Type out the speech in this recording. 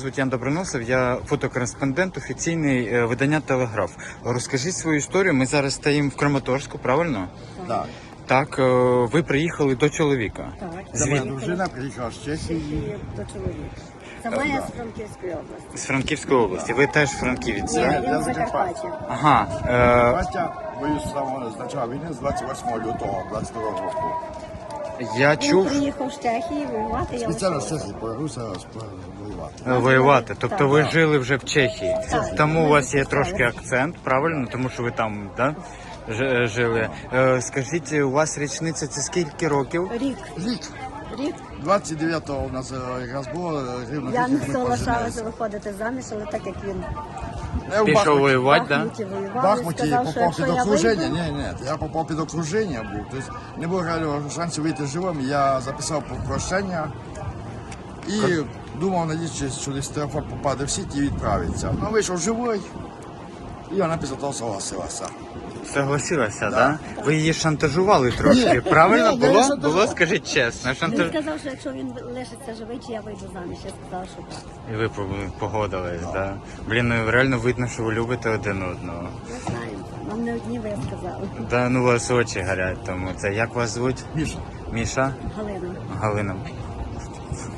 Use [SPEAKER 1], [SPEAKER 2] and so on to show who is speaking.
[SPEAKER 1] звуть Ян Доброносов, я фотокореспондент, офіційний видання «Телеграф». Розкажіть свою історію. Ми зараз стоїмо в Краматорську, правильно?
[SPEAKER 2] Так.
[SPEAKER 1] Так, ви приїхали до чоловіка.
[SPEAKER 3] Так,
[SPEAKER 2] Це моя дружина приїхала з Чехії.
[SPEAKER 3] Чехії до чоловіка. Це моя з Франківської області.
[SPEAKER 1] З Франківської області. Ви теж франківець,
[SPEAKER 3] Ні,
[SPEAKER 1] так?
[SPEAKER 3] він з Закарпаття.
[SPEAKER 1] Ага.
[SPEAKER 2] Батя воює з самого з початку війни з 28 лютого 22 року.
[SPEAKER 1] Я
[SPEAKER 3] Він
[SPEAKER 1] чув
[SPEAKER 3] приїхав з Чехії воювати. Я
[SPEAKER 2] Спеціально з
[SPEAKER 3] лишилася.
[SPEAKER 2] Чехії повернувся воювати.
[SPEAKER 1] воювати. Тобто
[SPEAKER 3] Так.
[SPEAKER 1] ви жили вже в Чехії.
[SPEAKER 3] Так.
[SPEAKER 1] Тому у вас є
[SPEAKER 3] Так.
[SPEAKER 1] трошки акцент, правильно? Тому що ви там, да? Жили. Скажіть, у вас річниця це скільки років?
[SPEAKER 3] Рік. Рік.
[SPEAKER 2] 29-го у нас якраз було рівно
[SPEAKER 3] Я
[SPEAKER 2] рік,
[SPEAKER 3] не
[SPEAKER 2] як ми
[SPEAKER 3] соглашалася
[SPEAKER 2] поженилися.
[SPEAKER 3] виходити заміж, але так як він
[SPEAKER 2] Я в
[SPEAKER 1] Пішов
[SPEAKER 2] Бахмуті.
[SPEAKER 1] воювати,
[SPEAKER 3] в
[SPEAKER 1] так?
[SPEAKER 3] Бахмуті
[SPEAKER 2] В
[SPEAKER 3] воював,
[SPEAKER 2] Бахмуті
[SPEAKER 3] сказав, що
[SPEAKER 2] попав
[SPEAKER 3] якщо
[SPEAKER 2] під
[SPEAKER 3] я
[SPEAKER 2] окруження.
[SPEAKER 3] вийду,
[SPEAKER 2] Ні, я попав під окруження був. Тобто не було реального шансу вийти живим. Я записав прощення і думав, надіючись, що десь телефон попаде в сіті і відправиться. Ну, вийшов живий, і вона після того согласилася.
[SPEAKER 1] Согласилася, так? Да? Ви її шантажували трошки, правильно?
[SPEAKER 2] Ні, я не
[SPEAKER 1] Було?
[SPEAKER 2] шантажував.
[SPEAKER 1] Було, скажіть чесно.
[SPEAKER 3] він сказав, що якщо він лишиться живий, чи я вийду заміж. Я сказала, що так.
[SPEAKER 1] І ви погодились, так? Да? Блін, ну реально видно, що ви любите один одного.
[SPEAKER 3] Не знаю. Нам не одні ви сказали.
[SPEAKER 1] Да, ну у вас очі горять, тому це. Як вас звуть?
[SPEAKER 2] Міша.
[SPEAKER 1] Міша?
[SPEAKER 3] Галина.
[SPEAKER 1] Галина.